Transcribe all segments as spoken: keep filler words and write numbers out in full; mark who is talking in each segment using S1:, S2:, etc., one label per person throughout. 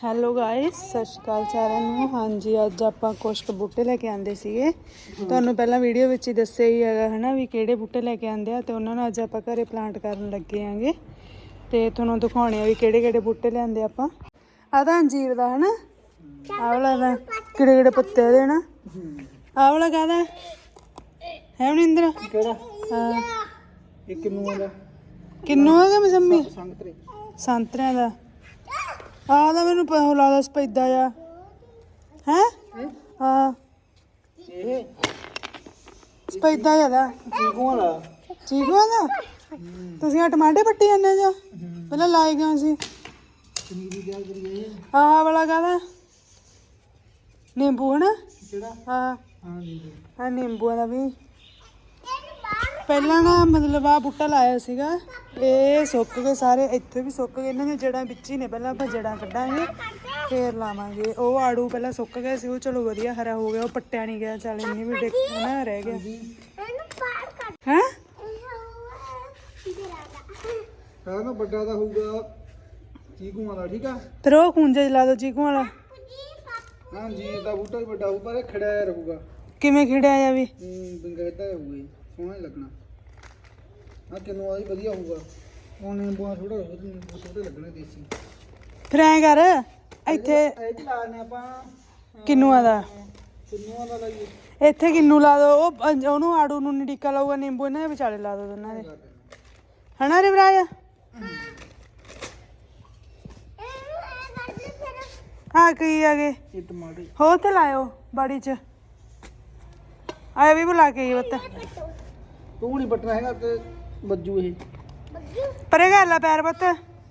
S1: Hello guys, ਸਤਿ ਸ਼੍ਰੀ ਅਕਾਲ ਸਾਰਿਆਂ ਨੂੰ। ਹਾਂਜੀ, ਅੱਜ ਆਪਾਂ ਕੁਛ ਕੁ ਬੂਟੇ ਲੈ ਕੇ ਆਂਦੇ ਸੀਗੇ। ਤੁਹਾਨੂੰ ਪਹਿਲਾਂ ਵੀਡੀਓ ਵਿੱਚ ਹੀ ਦੱਸਿਆ ਹੀ ਹੈਗਾ ਹੈ ਨਾ ਵੀ ਕਿਹੜੇ ਬੂਟੇ ਲੈ ਕੇ ਆਂਦੇ ਆ, ਤੇ ਉਹਨਾਂ ਨੂੰ ਅੱਜ ਆਪਾਂ ਘਰੇ ਪਲਾਂਟ ਕਰਨ ਲੱਗੇ ਆਂਗੇ ਤੇ ਤੁਹਾਨੂੰ ਦਿਖਾਉਣੇ ਆ ਵੀ ਕਿਹੜੇ ਕਿਹੜੇ ਬੂਟੇ ਲਿਆਂਦੇ ਆਪਾਂ। ਆਹ ਤਾਂ ਅੰਜੀਰ ਦਾ ਹੈ ਨਾ, ਆਹ ਵਾਲਾ ਦਾ ਕਿਹੜੇ ਕਿਹੜੇ ਪੱਤੇ ਇਹਦੇ ਨਾ, ਆਹ ਵਾਲਾ ਕਾਹਦਾ ਹੈ ਮਨਿੰਦਰ?
S2: ਕਿਹੜਾ?
S1: ਹਾਂ,
S2: ਇਹ ਕਿੰਨੂਆਂ ਦਾ?
S1: ਕਿੰਨੂ ਹੈਗਾ ਮਸੰਮੀ
S2: ਸੰਤਰੇ
S1: ਸੰਤਰਿਆਂ ਦਾ। ਆਹ ਤਾਂ ਮੈਨੂੰ ਪਤਾ ਲੱਗਦਾ ਸਪੈਦਾ ਆ ਹੈ। ਹਾਂ,
S2: ਇਹ
S1: ਸਪੈਦਾ ਜਿਆਦਾ
S2: ਚੀਕੂਆਂ ਦਾ।
S1: ਚੀਕੂਆਂ ਦਾ? ਤੁਸੀਂ ਆ ਟਮਾਟੇ ਪੱਟੀ ਜਾਂਦੇ ਜੋ ਪਹਿਲਾਂ ਲਾਏ ਕਿਉਂ ਸੀ?
S2: ਪਨੀਰੀ ਤਿਆਰ ਕਰੀਏ।
S1: ਆਹ ਵਾਲਾ ਕਾਹਦਾ? ਨਿੰਬੂ ਹੈ ਨਾ?
S2: ਕਿਹੜਾ?
S1: ਹਾਂ
S2: ਹਾਂ ਜੀ।
S1: ਆ ਨਿੰਬੂਆਂ ਦਾ ਵੀ ਪਹਿਲਾਂ ਨਾ ਮਤਲਬ ਆ ਬੂਟਾ ਲਾਇਆ ਸੀਗਾ, ਇਹ ਸੁੱਕ ਗਏ ਸਾਰੇ, ਇੱਥੇ ਵੀ ਸੁੱਕ ਗਏ। ਇਹਨਾਂ ਦੀਆਂ ਜੜ੍ਹਾਂ ਵਿੱਚ ਹੀ ਨੇ, ਪਹਿਲਾਂ ਆਪਾਂ ਜੜ੍ਹਾਂ ਕੱਢਾਂਗੇ ਫੇਰ ਲਾਵਾਂਗੇ। ਉਹ ਆੜੂ ਪਹਿਲਾਂ ਸੁੱਕ ਗਏ ਸੀ, ਉਹ ਚਲੋ ਵਧੀਆ ਹਰਾ ਹੋ ਗਿਆ, ਉਹ ਪੱਟਿਆ ਨਹੀਂ ਗਿਆ। ਚੱਲ ਇੰਨੀ ਵੀ ਡਿੱਕ ਨਾ ਰਹਿ ਗਿਆ ਹੈ।
S2: ਹੈ ਨਾ ਵੱਡਾ ਤਾਂ ਹੋਊਗਾ ਚੀਕੂਆਂ ਦਾ, ਠੀਕ ਆ।
S1: ਫਿਰ ਉਹ ਖੂੰਜੇ ਲਾ ਦੋ ਚੀਕੂ ਵਾਲਾ।
S2: ਹਾਂ ਜੀ, ਇਹਦਾ ਬੂਟਾ ਵੀ ਵੱਡਾ ਹੋਊ ਪਰ ਇਹ ਖੜਿਆ ਰਹੂਗਾ।
S1: ਕਿਵੇਂ ਖਿੜਿਆ ਆ ਵੀ?
S2: ਹੂੰ, ਬਿੰਗਾਇਦਾ ਹੋਊਗਾ, ਸੋਹਣਾ ਹੀ ਲੱਗਣਾ। ਆ ਕਿੰਨੂਆਂ ਦਾ ਵਧੀਆ ਹੋਊਗਾ। ਉਹ ਨਿੰਬੂਆਂ ਥੋੜਾ ਨਿੰਬੂ ਛੋਟੇ ਲੱਗਣੇ ਦੇਸੀ।
S1: ਫਿਰ ਐਂ ਕਰ, ਇੱਥੇ
S2: ਇਹ ਵੀ ਲਾ ਲੈਣੇ ਆਪਾਂ
S1: ਕਿੰਨੂਆਂ ਦਾ,
S2: ਕਿੰਨੂਆਂ ਦਾ ਲਾਈਏ।
S1: ਇੱਥੇ ਕਿੰਨੂ ਲਾ ਦੋ, ਉਹ ਉਹਨੂੰ ਆੜੂ ਨੂੰ ਨਿੱਕਾ ਲਾਊਗਾ, ਨਿੰਬੂ ਇਹਨਾਂ ਦੇ ਵਿਚਾਲੇ ਲਾ ਦੋ ਦੋਨਾਂ ਦੇ, ਹਨਾ ਰਿਵਰਾਜ? ਹਾਂ ਕੀ ਆ ਗਏ
S2: ਇਹ ਟਮਾਟਰ
S1: ਹੋਰ ਤੇ ਲਾਇਓ ਬਾੜੀ ਚ। ਆਇਆ ਵੀ ਬੁਲਾ ਕੇ ਬੱਤ
S2: ਤੂੰ ਨਹੀਂ ਪਟਣਾ ਹੈਗਾ ਤੇ ਬੱਜੂ ਇਹ
S1: ਪਰੇ ਕਰ ਲਾ ਪੈਰ ਬੱਤ।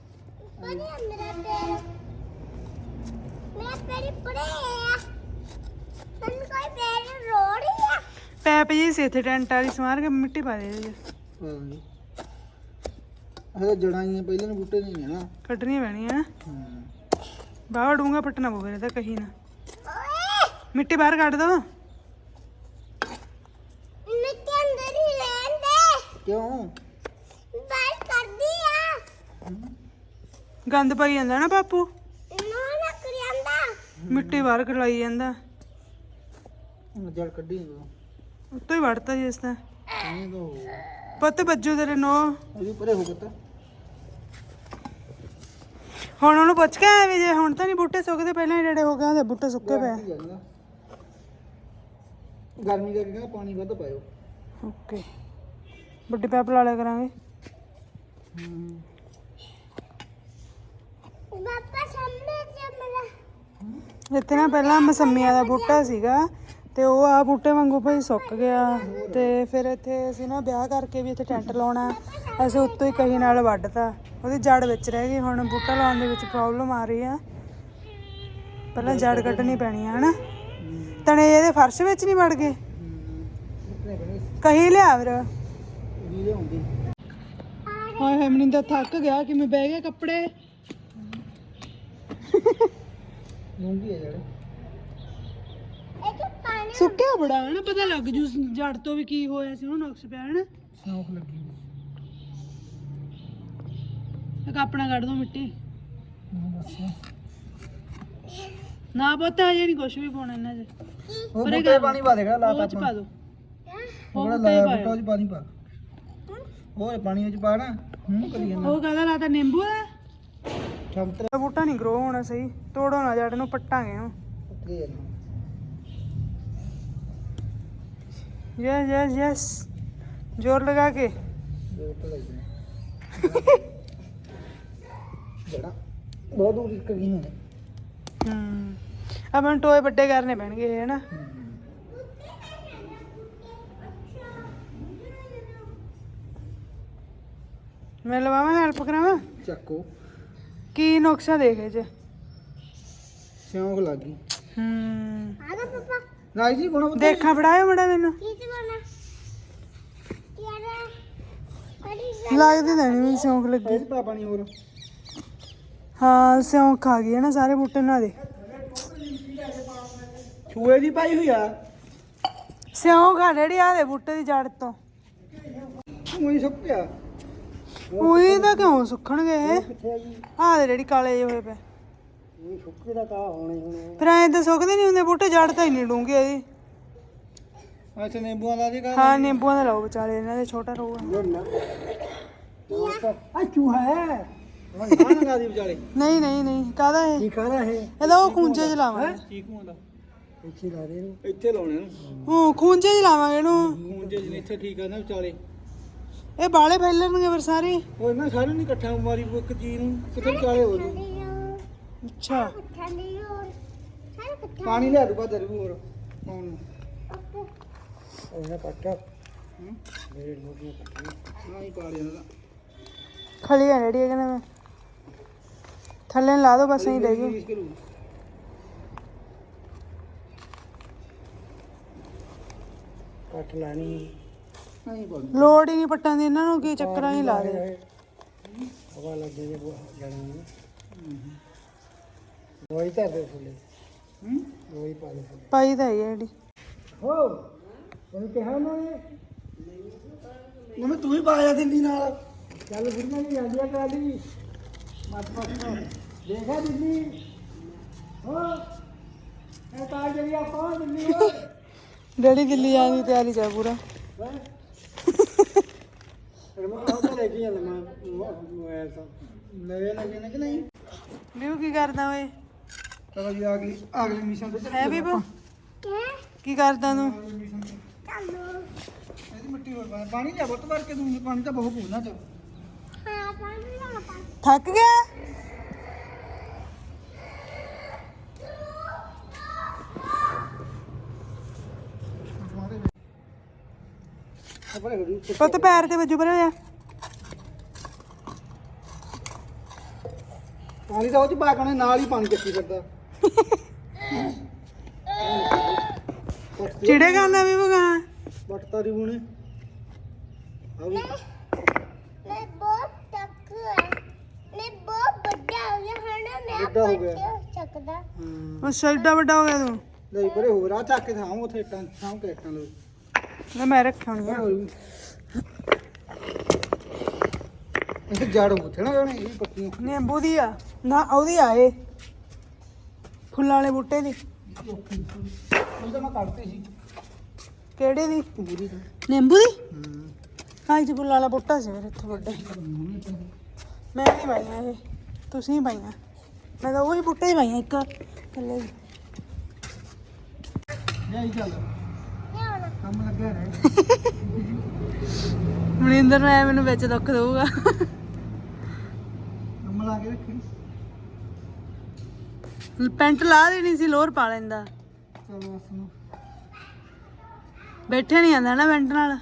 S1: ਪੈਪ ਜੀ ਸੀ ਇੱਥੇ ਟੈਂਟ ਵਾਲੀ ਸਮਾਰ ਕੇ ਮਿੱਟੀ ਪਾ ਦੇ ਇਹਦੇ ਚ।
S2: ਹਾਂ ਇਹ ਜੜਾਂ ਹੀ ਪਹਿਲੇ ਨੂੰ ਬੂਟੇ ਨਹੀਂ ਹੈ ਨਾ,
S1: ਕੱਢਣੀਆਂ ਪੈਣੀਆਂ।
S2: ਹਾਂ।
S1: ਬਾਹਰ ਡੂੰਗਾ ਪੱਟਣਾ ਪਊਗਾ ਇਹਦਾ, ਕਹੀ ਨਾ ਮਿੱਟੀ ਬਾਹਰ ਕੱਢ ਦੋ।
S2: ਕਿਉਂ?
S1: ਗੰਦ ਪਾਈ ਜਾਂਦਾ ਨਾ ਬਾਪੂ, ਮਿੱਟੀ ਬਾਹਰ ਖਲਾਈ ਜਾਂਦਾ।
S2: ਜੜ ਕੱਢੀ ਦੋ
S1: ਉੱਤੋਂ ਹੀ ਵੜਤਾ ਜੀ ਇਸ ਤਾਂ
S2: ਨਹੀਂ ਦੋ
S1: ਪੁੱਤ ਬੱਜੂ ਤੇਰੇ ਨੋ।
S2: ਇਹਦੀ ਪਰੇ ਹੋ ਗਿਆ।
S1: ਹੁਣ ਉਹਨੂੰ ਪੁੱਛ ਕੇ ਆਇਆ ਵੀ ਜੇ ਹੁਣ ਤਾਂ ਨਹੀਂ ਬੂਟੇ ਸੁੱਕਦੇ, ਪਹਿਲਾਂ ਹੀ ਡੇੜੇ ਹੋ ਗਏ ਉਹਦੇ ਬੂਟੇ ਸੁੱਕੇ ਪਏ।
S2: ਗਰਮੀ ਕਰਕੇ ਕਹਿੰਦਾ ਪਾਣੀ ਵੱਧ ਪਾਇਓ।
S1: ਓਕੇ, ਵੱਡੀ ਪੈਪ ਲਾ ਲਿਆ ਕਰਾਂਗੇ। ਇੱਥੇ ਨਾ ਪਹਿਲਾਂ ਮਸੰਮੀਆਂ ਦਾ ਬੂਟਾ ਸੀਗਾ ਤੇ ਉਹ ਆ ਬੂਟੇ ਵਾਂਗੂ ਭਾਈ ਸੁੱਕ ਗਿਆ, ਤੇ ਫਿਰ ਇੱਥੇ ਅਸੀਂ ਨਾ ਵਿਆਹ ਕਰਕੇ ਵੀ ਇੱਥੇ ਟੈਂਟ ਲਾਉਣਾ, ਅਸੀਂ ਉੱਤੋਂ ਹੀ ਕਹੀ ਨਾਲ ਵੱਢਤਾ, ਉਹਦੀ ਜੜ ਵਿੱਚ ਰਹਿ ਗਈ। ਹੁਣ ਬੂਟਾ ਲਾਉਣ ਦੇ ਵਿੱਚ ਪ੍ਰੋਬਲਮ ਆ ਰਹੀ ਆ, ਪਹਿਲਾਂ ਜੜ ਕੱਢਣੀ ਪੈਣੀ ਆ ਹਨਾ। ਤਣੇ ਇਹਦੇ ਫਰਸ਼ ਵਿੱਚ ਨਹੀਂ ਵੜ ਗਏ, ਕਹੀ ਲਿਆ ਫਿਰ। ਹਾਏ ਹਾਏ ਮਨਿੰਦਰ ਥੱਕ ਗਿਆ, ਕਿਵੇਂ ਬਹਿ ਗਿਆ ਕੱਪੜੇ।
S2: ਲੂੰਗੀ ਹੈ ਜੜ
S1: ਸੁੱਕਿਆ ਬੜਾ ਹੈ ਨਾ, ਪਤਾ ਲੱਗ ਜੂ ਜੜ ਤੋਂ ਵੀ ਕੀ ਹੋਇਆ ਸੀ, ਉਹਨੂੰ ਨੁਕਸ ਪਿਆ ਹੈ ਨਾ।
S2: ਸੌਂਫ ਲੱਗੀ
S1: ਇੱਕ ਆਪਣਾ ਕੱਢ ਦੋ ਮਿੱਟੀ।
S2: ਬਸ
S1: ਨਾ ਪੁੱਤ ਹਜੇ ਨਹੀਂ ਕੁਛ ਵੀ ਪਾਉਣਾ ਇਹਨਾਂ 'ਚ।
S2: ਉਹ ਬੂਟੇ ਪਾਣੀ ਪਾ ਦੇਗਾ ਲਾਤਾ
S1: ਉਹ 'ਚ ਪਾ ਦੋ,
S2: ਉਹ ਲਾਇਆ ਬੂਟਾ ਚ ਪਾਣੀ ਪਾ, ਉਹ ਪਾਣੀ ਵਿੱਚ ਪਾ ਨਾ। ਹੂੰ ਕਰੀ ਜਾਂਦਾ।
S1: ਉਹ ਕਾਹਦਾ ਲਾਤਾ? ਨਿੰਬੂ ਦਾ
S2: ਸੰਤਰਾ
S1: ਬੂਟਾ ਨਹੀਂ ਗਰੋ ਹੋਣਾ ਸਹੀ, ਤੋੜੋ ਨਾ ਜੜ ਨੂੰ, ਪੱਟਾਂਗੇ ਇਹਨੂੰ।
S2: ਪੱਕੇ ਨਾ
S1: ਯਸ ਯਸ ਯਸ, ਜ਼ੋਰ ਲਗਾ ਕੇ।
S2: ਦੋ ਤਾਂ ਲੱਗਣਾ ਜੜਾ ਬਹੁਤ ਦੂਰ ਇੱਕ ਗਈ ਨੇ।
S1: ਹੂੰ, ਆਪਾਂ ਨੂੰ ਟੋਏ ਵੱਡੇ ਕਰਨੇ ਪੈਣਗੇ ਹੈ ਨਾ। ਮੈਂ ਲਵਾਵਾਂ, ਹੈਲਪ ਕਰਾਵਾਂ?
S2: ਚੱਕੋ
S1: ਕੀ ਨੁਕਸਾ ਦੇਖੇ ਜੇ?
S2: ਸਿਉਂਕ ਲੱਗ ਗਈ।
S1: ਹੂੰ,
S2: ਰਾਜ ਜੀ ਬਣਾ
S1: ਦੇਖਾਂ ਫੜਾਇਓ ਮੜਾ ਮੈਨੂੰ, ਲੱਗਦੀ ਤਾਂ ਨਹੀਂ ਸਿਉਂਕ ਲੱਗੀ।
S2: ਇਹ ਪਾ ਪਾਣੀ ਹੋਰ।
S1: ਹਾਂ ਸਿਉਂਕ ਆ ਗਈ ਹੈ ਨਾ ਸਾਰੇ ਬੂਟੇ ਨਾਲ ਦੇ।
S2: ਛੂਏ ਦੀ ਪਾਈ ਹੋਈ ਆ
S1: ਸਿਉਂਕ ਆ ਜਿਹੜੀ ਆ ਦੇ ਬੂਟੇ ਦੀ ਜੜ ਤੋਂ।
S2: ਉਹੀ ਸੁੱਕ ਗਿਆ।
S1: ਉਹੀ ਤਾਂ ਕਿਉਂ ਸੁੱਕਣਗੇ?
S2: ਕਿੱਥੇ ਆ ਜੀ?
S1: ਆਹ ਦੇ ਜਿਹੜੀ ਕਾਲੇ ਜਿਹੇ ਹੋਏ ਪਏ।
S2: ਇਹ ਸੁੱਕੇ ਦਾ ਤਾਂ ਹੋਣੇ ਹੋਣੇ।
S1: ਫਿਰ ਐਂ ਤਾਂ ਸੁੱਕਦੇ ਨਹੀਂ ਹੁੰਦੇ ਬੂਟੇ, ਜੜ ਤਾਂ ਹੀ ਨਹੀਂ ਡੂੰਘੇ ਇਹਦੀ।
S2: ਅੱਛਾ ਨਿੰਬੂਆਂ ਦਾ ਜੀ
S1: ਹਾਂ ਨਿੰਬੂਆਂ ਦਾ ਲਾਓ ਵਿਚਾਲੇ, ਇਹਨਾਂ ਦੇ ਛੋਟਾ ਰਹੂਗਾ।
S2: ਆ ਚੂਹਾ ਹੈ ਉਹ ਨਾ ਲਗਾ ਦੀ ਵਿਚਾਲੇ।
S1: ਨਹੀਂ ਨਹੀਂ ਨਹੀਂ, ਕਾਹਦਾ ਇਹ?
S2: ਕੀ ਖਾਣਾ ਹੈ
S1: ਇਹਦਾ ਉਹ ਖੂੰਜੇ ਚ ਲਾਵਾਂਗੇ।
S2: ਚੀਕੂਆਂ ਦਾ ਇੱਥੇ ਲਾ ਦੇ ਇਹਨੂੰ, ਇੱਥੇ ਲਾਉਣੇ ਇਹਨੂੰ।
S1: ਉਹ ਖੂੰਜੇ ਚ ਲਾਵਾਂਗੇ ਇਹਨੂੰ।
S2: ਖੂੰਜੇ ਜਿਹਨੇ ਇੱਥੇ ਠੀਕ ਆ ਨਾ ਵਿਚਾਲੇ।
S1: ਇਹ ਬਾਲੇ ਫੈਲਣਗੇ ਫਿਰ ਸਾਰੇ।
S2: ਉਹ ਇਹਨਾਂ ਸਾਰੇ ਨਹੀਂ ਇਕੱਠਾ ਮਾਰੀ ਇੱਕ ਚੀਜ਼ ਨੂੰ, ਕਿਤੇ ਵਿਚਾਲੇ ਹੋ ਜੂ।
S1: ਅੱਛਾ
S2: ਪਾਣੀ ਲਿਆ ਦੂਗਾ ਦਰ ਵੀ ਹੋਰ ਪਾਉਣ ਨੂੰ। ਇਹਨਾਂ ਕੱਟਾ ਮੇਰੇ ਮੋਟੀਆਂ ਕੱਟੀਆਂ ਨਾ ਹੀ ਪਾ ਲਿਆ ਇਹਦਾ।
S1: ਖਲੀ ਆ ਜਿਹੜੀ ਕਹਿੰਦਾ ਮੈਂ ਥੱਲੇ ਲਾ ਦੋ ਬਸ, ਨਹੀਂ ਦੇਗੀ।
S2: ਕੱਟ ਲੈਣੀ ਨਹੀਂ ਪਾ
S1: ਲੋੜ ਹੀ ਨਹੀਂ ਪੱਟਾਂ ਦੀ, ਇਹਨਾਂ ਨੂੰ ਕੀ ਚੱਕਰਾਂ ਹੀ ਲਾ ਦੇ।
S2: ਹਵਾ ਲੱਗੇ ਜੇ ਜਾਣਾ ਨੂੰ ਦਵਾਈ ਧਰ ਦੇ ਥੱਲੇ। ਹੂੰ ਦਵਾਈ ਪਾ ਦੇ ਥੱਲੇ।
S1: ਪਾਈ ਤਾਂ ਹੈ ਜਿਹੜੀ।
S2: ਹੋ ਉਹਨੂੰ ਕਿਹਾ ਨਾ ਇਹ ਮੈਂ ਤੂੰ ਹੀ ਪਾਇਆ ਦਿੱਲੀ ਨਾਲ। ਚੱਲ ਬੁੜੀਆਂ ਨਹੀਂ ਜਾਂਦੀਆਂ ਕਾਲੀ ਮੱਤ ਮੱਤ ਦੇਖਾ ਦਿੱਲੀ ਹੋ ਇਹ ਤਾਂ ਜਿਹੜੀ ਆਪਾਂ ਦਿੱਲੀ ਹੋ।
S1: ਡੈਡੀ ਦਿੱਲੀ ਜਾਣ ਦੀ ਤਿਆਰੀ ਚ ਆ ਪੂਰਾ।
S2: ਫਿਰ ਮੈਂ ਆਹ ਤਾਂ ਲੈ ਕੇ ਜਾਂਦਾ ਮੈਂ ਮੋਬਾਈਲ ਤਾਂ ਨਵੇਂ ਲੱਗੇ ਨੇ ਕਿ ਨਹੀਂ।
S1: ਵੀਊ ਕੀ ਕਰਦਾ ਓਏ?
S2: ਚਲੋ ਜੀ ਅਗਲੀ ਅਗਲੀ ਮਿਸ਼ਨ ਤੇ
S1: ਹੈ ਬੀਬੂ ਕੀ ਕਰਦਾ ਤੂੰ?
S2: ਇਹਦੀ ਮਿੱਟੀ ਹੋਰ ਪਾ ਪਾਣੀ ਲਿਆ ਬਹੁਤ ਭਰ ਕੇ ਦੂੰਗੀ। ਪਾਣੀ ਤਾਂ ਬਹੁਤ ਪੂਣਾ ਚ।
S1: ਥੱਕ ਗਿਆ? ਪੁੱਤ ਪੈਰ ਤੇ ਵੱਜੂ ਪਰੇ ਹੋਇਆ।
S2: ਪਾਣੀ ਤਾਂ ਉਹ ਚ ਪਾ ਕੇ ਨਾਲ ਹੀ ਪਾਣੀ ਚੱਕੀ ਫਿਰਦਾ।
S1: ਚਿੜੇ ਖਾਂਦਾ ਬੀਬੂ ਗਾਂ?
S2: ਵੱਟਤਾ ਦੀ ਬੂਣੇ ਆ ਵੀ
S3: ਮੈਂ ਬਹੁਤ ਤੱਕ ਮੈਂ ਬਹੁਤ ਵੱਡਾ ਹੋ ਗਿਆ ਹਣਾ ਮੈਂ
S2: ਵੱਡਾ ਹੋ ਗਿਆ।
S3: ਚੱਕਦਾ
S2: ਹਾਂ
S1: ਅੱਛਾ ਏਡਾ ਵੱਡਾ ਹੋ ਗਿਆ ਤੂੰ?
S2: ਲੈ ਪਰੇ ਹੋਰ ਆ ਚੱਕ ਕੇ ਥਾਂ ਉਥੇ ਟਾਂ ਥਾਂ ਕੇ ਟਾਂ ਲੋ
S1: ਲੈ ਮੈਂ ਰੱਖਿਆ ਹੋਣੀ ਆ।
S2: ਇਹ ਜੜ ਉੱਥੇ ਨਾ ਗਾਣੇ ਇਹ ਪੱਤੀਆਂ
S1: ਨਿੰਬੂ ਦੀ ਆ ਨਾ, ਉਹਦੀ ਆ ਇਹ ਫੁੱਲਾਂ ਵਾਲੇ ਬੂਟੇ ਦੀ।
S2: ਉਹ ਤਾਂ ਮੈਂ ਕੱਢਤੀ ਸੀ
S1: ਕਿਹੜੇ ਦੀ?
S2: ਪੂਰੀ ਤਾਂ
S1: ਨਿੰਬੂ ਦੀ?
S2: ਹਾਂ
S1: ਹਾਂ ਇਹ ਫੁੱਲਾਂ ਵਾਲਾ ਬੂਟਾ ਸੀ ਮੇਰੇ ਇੱਥੇ ਵੱਡਾ। ਮੈਂ ਨਹੀਂ ਪਾਈਆਂ ਇਹ, ਤੁਸੀਂ ਹੀ ਪਾਈਆਂ। ਮੈਂ ਤਾਂ ਉਹੀ ਬੂਟੇ ਹੀ ਪਾਈਆਂ ਇੱਕ ਥੱਲੇ।
S2: ਲੈ ਹੀ ਚੱਲ ਕੰਮ ਲੱਗਿਆ ਰਹੇ।
S1: ਮਨਿੰਦਰ ਨੂੰ ਐ ਮੈਨੂੰ ਵਿੱਚ ਦੁੱਖ ਦਊਗਾ।
S2: ਕੰਮ ਲਾ ਕੇ ਰੱਖੀ।
S1: ਪੈਂਟ ਲਾ ਦੇਣੀ ਸੀ, ਲੋਅਰ ਪਾ ਲੈਂਦਾ।
S2: ਚਲ ਬਸ ਨੂੰ
S1: ਬੈਠੇ ਨਹੀਂ ਜਾਂਦਾ ਨਾ ਪੈਂਟ ਨਾਲ।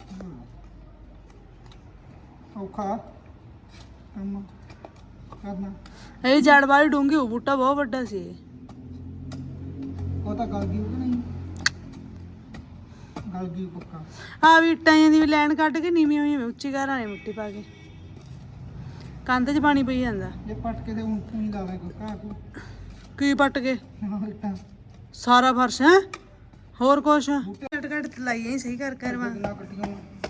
S2: ਔਖਾ ਕੰਮ ਕਰਨਾ।
S1: ਇਹ ਜੜ ਵਾਲੀ ਡੂੰਗੀ ਉਹ ਬੂਟਾ ਬਹੁਤ ਵੱਡਾ ਸੀ ਇਹ।
S2: ਉਹ ਤਾਂ ਗਲ ਗਈ ਉਹ ਕਿ ਨਹੀਂ ਗਲ ਗਈ ਪੱਕਾ।
S1: ਆ ਵੀ ਇੱਟਾਂ ਦੀ ਵੀ ਲਾਈਨ ਕੱਢ ਕੇ ਨੀਵੀਂ ਹੋਈ ਉੱਚੀ ਘਰਾਂ ਨੇ ਮਿੱਟੀ ਪਾ ਕੇ ਕੰਧ 'ਚ ਪਾਣੀ ਪਈ ਜਾਂਦਾ।
S2: ਜੇ ਪੱਟ ਕੇ ਤੇ ਊਂ ਹੀ ਲਾਵੇ ਕੋਈ ਘਾਹ ਕੋ
S1: ਕੀ ਪੱਟ ਕੇ?
S2: ਹਾਂ ਇੱਟਾਂ
S1: ਸਾਰਾ ਫਰਸ਼ ਹੈ ਹੋਰ ਕੁਛ ਕੱਟ ਕੱਟ ਲਾਈਆਂ ਹੀ ਸਹੀ ਕਰ ਕਰ ਵਾ।
S2: ਕਿੰਨਾ ਕੱਟੀਆਂ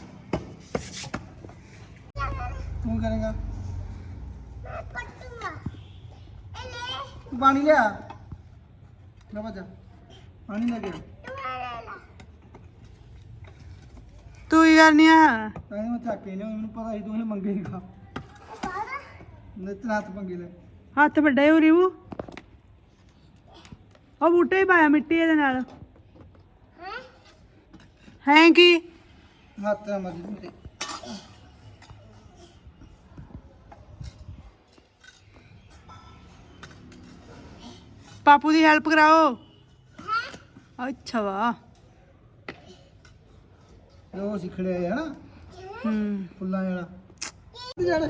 S2: ਤੂੰ ਕਰੇਗਾ
S3: ਮੈਂ ਪੱਟੂਗਾ ਇਹ ਲੈ
S2: ਪਾਣੀ ਲਿਆ ਲੈ ਬੱਜਾ ਪਾਣੀ ਲੈ ਗਿਆ
S3: ਤੂੰ ਲੈ ਲੈ
S1: ਤੂੰ ਹੀ ਕਰਨੀ ਆ?
S2: ਤਾਂ ਮੈਂ ਥੱਕੇ ਨਹੀਂ ਮੈਨੂੰ ਪਤਾ ਸੀ ਤੂੰ ਇਹ ਮੰਗੇਗਾ।
S3: ਬਾਬਾ
S2: ਨਿਤ ਰਾਤ ਮੰਗੇ ਲੈ
S1: ਹੱਥ ਵੱਡਾ ਹੋ ਰਿਵੂ। ਉਹ ਬੂਟੇ ਹੀ ਪਾਇਆ ਮਿੱਟੀ ਇਹਦੇ ਨਾਲ।
S3: ਹੈ
S1: ਹੈ ਕੀ?
S2: ਹੱਥ ਆ ਮਰਜੀ ਮੇਰੇ
S1: ਪਾਪੂ ਦੀ ਹੈਲਪ ਕਰਾਓ। ਅੱਛਾ ਵਾ।
S2: ਉਹ ਸਿੱਖੜਿਆ ਹੈ ਨਾ
S1: ਹੂੰ
S2: ਫੁੱਲਾਂ ਵਾਲਾ ਜੜ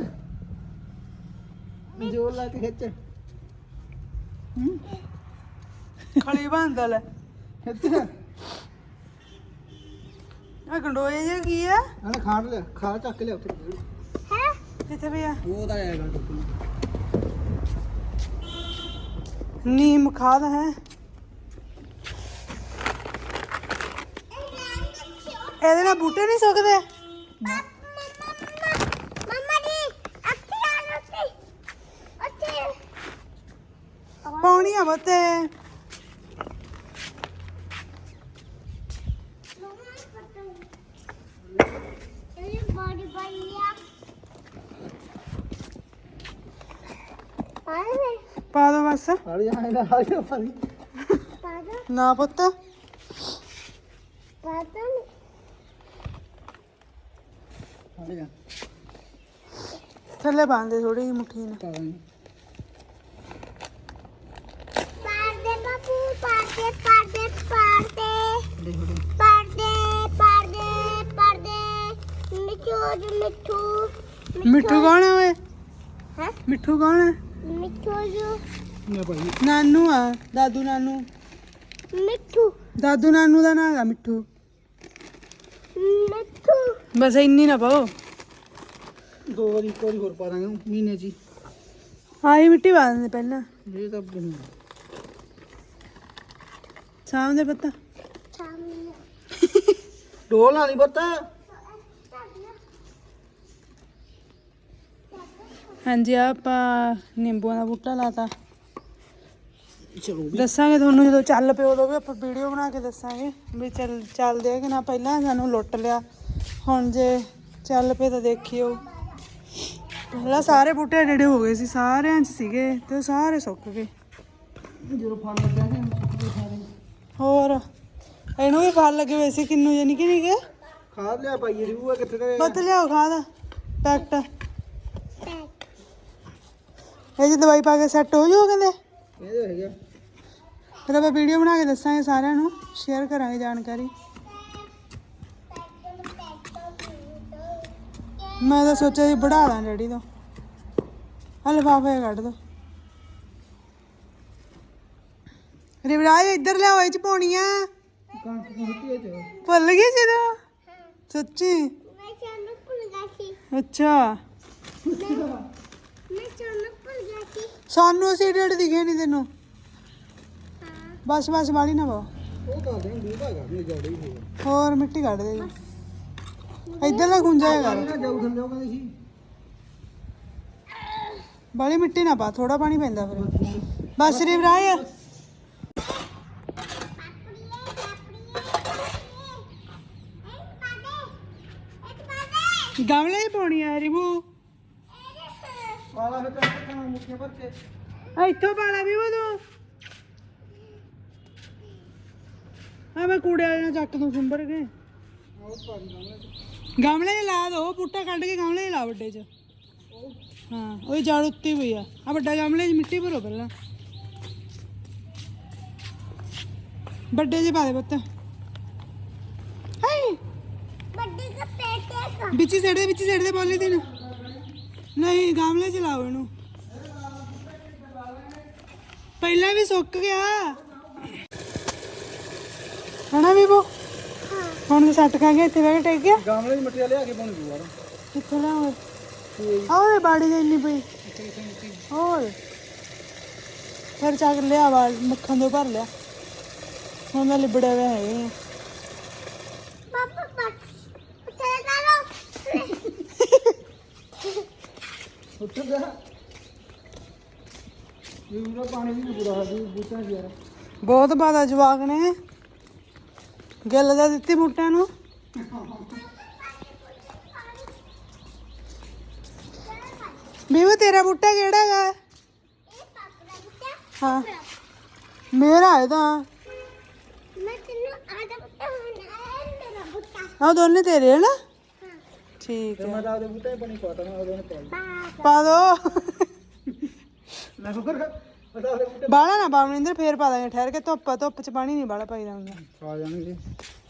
S2: ਜੋਰ ਲਾ ਕੇ ਖਿੱਚ। ਹੂੰ
S1: ਖਲੀ ਬੰਦਾ ਲੈ
S2: ਖਿੱਚ
S1: ਆ ਗੰਡੋਏ ਜੇ ਕੀ ਆ?
S2: ਆਹ ਖਾੜ ਲਿਆ ਖਾ ਚੱਕ ਲਿਆ ਉੱਥੇ
S3: ਹੈ
S1: ਕਿੱਥੇ ਪਿਆ?
S2: ਉਹ ਤਾਂ ਆਏਗਾ ਟੁੱਟੂ
S1: ਨੀਮ ਖਾਦ ਹੈ ਇਹਦੇ ਨਾਲ ਬੂਟੇ ਨਹੀਂ ਸੁੱਕਦੇ।
S3: ਮਮਾ ਦੀ ਅੱਖੀ ਆ ਉੱਤੇ ਉੱਤੇ
S1: ਆ ਬੱਤੇ
S3: ਇਹ ਬੜੀ ਬਈਆ ਆਏ
S1: ਪਾ ਦੋ ਬਸ
S2: ਹਾਲੀ ਆਏ ਨਾ ਹਾਲੀ ਪਾਣੀ
S3: ਪਾਦਾ
S1: ਨਾ ਪੁੱਤ
S3: ਪਾਦਾ ਨਹੀਂ
S2: ਹਾਲੀ ਆ
S1: ਥੱਲੇ ਬੰਦੇ ਥੋੜੀ ਜਿਹੀ ਮੁੱਠੀ ਨੇ
S2: ਪਾਣੀ
S3: ਪਾਦੇ ਬਾਪੂ ਪਾਦੇ ਪਾਦੇ ਪਾਦੇ
S2: ਦੇਖੋ ਦੇ
S3: ਪਾਦੇ ਪਾਦੇ ਪਾਦੇ ਮਿੱਠੂ ਜੀ ਮਿੱਠੂ
S1: ਮਿੱਠੂ ਕੌਣ ਹੈ ਓਏ
S3: ਹੈ
S1: ਮਿੱਠੂ ਕੌਣ ਹੈ
S3: ਮਿੱਠੂ ਜੀ
S2: ਮੈਂ ਭਾਈ
S1: ਨਾਨੂ ਆ ਦਾਦੂ ਨਾਨੂ
S3: ਮਿੱਠੂ
S1: ਦਾਦੂ ਨਾਨੂ ਦਾ ਨਾਂ ਹੈਗਾ ਮਿੱਠੂ
S3: ਮਿੱਠੂ
S1: ਬਸ ਇੰਨੀ ਨਾ ਪਾਓ
S2: ਦੋ ਵਾਰੀ ਇੱਕ ਵਾਰੀ ਹੋਰ ਪਾ ਦਾਂਗੇ ਮਹੀਨੇ ਚ ਹੀ।
S1: ਆਹੀ ਮਿੱਟੀ ਪਾ ਦਿੰਦੇ ਪਹਿਲਾਂ
S2: ਇਹ ਤਾਂ ਬਣੀ
S1: ਸ਼ਾਮ ਦੇ ਪੱਤਾ
S3: ਸਾਹਮਣੇ
S2: ਢੋਲ ਨਾ ਨਹੀਂ ਪਤਾ
S1: ਹਾਂਜੀ ਆ ਆਪਾਂ ਨਿੰਬੂਆਂ ਦਾ ਬੂਟਾ ਲਾਤਾ
S2: ਚਲੋ ਵੀ
S1: ਦੱਸਾਂਗੇ ਤੁਹਾਨੂੰ ਜਦੋਂ ਚੱਲ ਪਿਓ ਉਦੋਂ ਵੀ ਆਪਾਂ ਵੀਡੀਓ ਬਣਾ ਕੇ ਦੱਸਾਂਗੇ ਵੀ ਚੱਲ ਚੱਲਦੇ ਆ ਕਿ ਨਾ ਪਹਿਲਾਂ ਸਾਨੂੰ ਲੁੱਟ ਲਿਆ ਹੁਣ ਜੇ ਚੱਲ ਪਏ ਤਾਂ ਦੇਖਿਓ ਪਹਿਲਾਂ ਸਾਰੇ ਬੂਟੇ ਡੇੜੇ ਹੋ ਗਏ ਸੀ ਸਾਰਿਆਂ 'ਚ ਸੀਗੇ ਤੇ ਉਹ ਸਾਰੇ ਸੁੱਕ ਗਏ
S2: ਜਦੋਂ ਫਲ ਲੱਗਿਆ ਸੀ ਸੁੱਕੇ ਸਾਰੇ
S1: ਹੋਰ ਇਹਨੂੰ ਵੀ ਫਲ ਲੱਗੇ ਹੋਏ ਸੀ ਕਿੰਨੂ ਜੇ ਨਿੱਕੇ ਨਿੱਕੇ
S2: ਖਾਦ ਲਿਆ ਪਾਈ ਰਿਊ ਕਿੱਥੇ ਤੇ
S1: ਬੱਤ ਲਿਆਓ ਖਾਦ ਪੈਕਟ ਇਹ ਜੀ ਦਵਾਈ ਪਾ ਕੇ ਸੈੱਟ ਹੋ ਜਾਓ ਕਹਿੰਦੇ
S2: ਇਹਦੇ ਹੈਗਾ
S1: ਫਿਰ ਆਪਾਂ ਵੀਡੀਓ ਬਣਾ ਕੇ ਦੱਸਾਂਗੇ ਸਾਰਿਆਂ ਨੂੰ ਸ਼ੇਅਰ ਕਰਾਂਗੇ ਜਾਣਕਾਰੀ ਮੈਂ ਤਾਂ ਸੋਚਿਆ ਸੀ ਵੜਾ ਦਾਂ ਡੈਡੀ ਤੋਂ ਆ ਲਿਫਾਫੇ ਕੱਢ ਦੋ ਰਿਵਰਾਜ ਇੱਧਰ ਲਿਆਓ ਇਹ ਚ ਪਾਉਣੀਆਂ
S2: ਕਣਕ ਕੁੱਟੀ ਇਹ ਚ
S1: ਭੁੱਲ ਗਈ ਸੀ ਤੂੰ ਸੱਚੀ
S3: ਮੈਂ ਚਾਨੂੰ ਭੁੱਲ ਗਿਆ ਸੀ
S1: ਅੱਛਾ
S3: ਮੈਂ ਚਾਨੂੰ ਭੁੱਲ ਗਿਆ ਸੀ
S1: ਸਾਨੂੰ ਅਸੀਂ ਡੇਢ ਦਿਖੇ ਨਹੀਂ ਤੈਨੂੰ
S3: ਹਾਂ
S1: ਬਸ ਬਸ ਵਾਲੀ ਨਾ ਪਾਓ
S2: ਉਹ ਤਾਂ ਦੇ ਦੂਰ ਹੈਗਾ ਨਹੀਂ ਜੋੜੇ ਹੀ ਹੋਗਾ
S1: ਹੋਰ ਮਿੱਟੀ ਕੱਢ ਦੇ ਇੱਧਰ ਨਾ ਗੁੰਜਾ ਕਰ
S2: ਨਾ ਜਾਊ ਥੱਲੇ ਉਹ ਕਹਿੰਦੇ ਸੀ
S1: ਬਾਲੀ ਮਿੱਟੀ ਨਾ ਪਾ ਥੋੜਾ ਪਾਣੀ ਪੈਂਦਾ ਫਿਰ ਬਸ ਰਿਵਰਾਜ ਗਮਲੇ ਹੀ ਪਾਉਣੀ ਆ ਰਿਬੂ
S2: ਵਾਲਾ ਫਿਰ ਤਾਂ ਮੁੱਠੀਆਂ ਭਰ ਕੇ
S1: ਆ ਇੱਥੋਂ ਪਾਲਾ ਵੀ ਉਹ ਤੂੰ ਆ ਮੈਂ ਕੂੜੇ ਵਾਲੇ ਨਾਲ ਚੱਕ ਦੂੰ ਸਿੰਬਰ ਕੇ
S2: ਉਹ ਪਾਣੀ ਗਮਲੇ ਚ
S1: ਗਮਲੇ 'ਚ ਲਾ ਦੋ ਬੂਟਾ ਕੱਢ ਕੇ ਗਮਲੇ 'ਚ ਲਾ ਵੱਡੇ 'ਚ ਹਾਂ ਉਹ ਜੜ ਉੱਤੇ ਹੋਈ ਆ ਆ ਵੱਡਾ ਗਮਲੇ 'ਚ ਮਿੱਟੀ ਭਰੋ ਪਹਿਲਾਂ ਵੱਡੇ 'ਚ ਪਾ ਦੇ ਪੁੱਤ ਹਾਈ
S3: ਵੱਡੀ ਦਾ ਪੇਟੇ ਕਾ
S1: ਵਿੱਚ ਹੀ ਸਿੱਟ ਦੇ ਵਿੱਚ ਹੀ ਸਿੱਟ ਦੇ ਪੋਲੀਥੀਨ ਨਹੀਂ ਗਮਲੇ 'ਚ ਲਾਓ ਇਹਨੂੰ ਪਹਿਲਾਂ ਵੀ ਸੁੱਕ ਗਿਆ ਹਣਾ ਬੀਬੋ ਹੁਣ ਸੱਟ ਖਾ ਗਿਆ ਇੱਥੇ ਬਹਿ ਕੇ ਟੇਕ ਗਿਆ
S2: ਗਮਲੇ ਦੀ ਮਿੱਟੀ ਲਿਆ ਕੇ ਬਣ ਜੂ ਯਾਰ
S1: ਕਿੱਥੇ ਲਾਓ ਆਹ ਬਾੜੀ ਦੇ ਇੰਨੀ ਪਈ ਹੋਰ ਫਿਰ ਚੱਕ ਲਿਆ ਵਾ ਮੱਖਣ ਤੋਂ ਭਰ ਲਿਆ ਹੁਣ ਮੈਂ ਲਿਬੜੇ ਹੋਏ ਹੈਗੇ ਆ
S3: ਪਾਪਾ ਬਸ ਚਲੇ ਜਾਓ
S2: ਉੱਠ ਜਾ ਇਹ ਪੂਰਾ ਪਾਣੀ ਵੀ ਬੁਰਾ ਹੈ ਬੂਟਾ ਯਾਰ
S1: ਬਹੁਤ ਬਾਦਾ ਜਵਾਕ ਨੇ ਗਿੱਲ ਦਾ ਦਿੱਤੀ ਬੂਟਿਆਂ ਨੂੰ ਬੀਬੂ ਤੇਰਾ ਬੂਟਾ ਕਿਹੜਾ ਹੈਗਾ
S3: ਇਹ ਪਾਪਾ ਦਾ ਬੁੱਟਾ
S1: ਹਾਂ ਮੇਰਾ ਹੈ ਤਾਂ
S3: ਮੈਂ ਤੈਨੂੰ ਆਦਾ ਬੁੱਟਾ ਹੋਣਾ ਹੈ ਮੇਰਾ ਬੁੱਟਾ
S1: ਆਹ ਦੋਨੇ ਤੇਰੇ ਹੈ ਨਾ
S3: ਹਾਂ
S1: ਠੀਕ
S2: ਤੇ
S1: ਹੈ
S2: ਮੈਂ ਤਾਂ ਉਹਦੇ ਬੂਟੇ ਪਾਣੀ ਪਾਤਾ ਮੈਂ ਉਹਦੇ ਨੇ ਪਾਈ
S3: ਬਾਬਾ
S1: ਪਾ ਦੋ
S2: ਮੈਂ ਫਿਰ ਮੈਂ ਤਾਂ ਉਹਦੇ ਬੂਟੇ
S1: ਬਾਲਾ ਨਾ ਪਾਵਨਿੰਦਰ ਫੇਰ ਪਾ ਦਾਂਗੇ ਠਹਿਰ ਕੇ ਧੁੱਪ ਆ, ਧੁੱਪ ਚ ਪਾਣੀ ਨਹੀਂ ਬਾਲਾ ਪਾਈਦਾ ਹੁੰਦਾ
S2: ਆ ਜਾਣਗੇ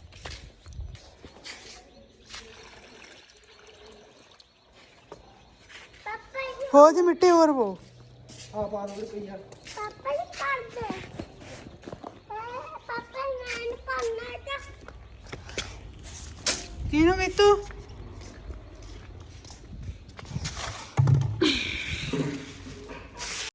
S3: ਪਾਪਾ ਇਹ
S1: ਹੋ ਜੀ ਮਿੱਟੀ ਹੋਰ ਪੋ
S2: ਆ ਪਾ ਦੋ ਪਈ ਯਾਰ
S3: ਪਾਪਾ ਇਹ ਕਰ ਦੇ ਪਾਪਾ ਨਾਨ ਪਾਣਾ ਤਾਂ
S1: ਕਿਹਨੂੰ ਮਿੱਤੂ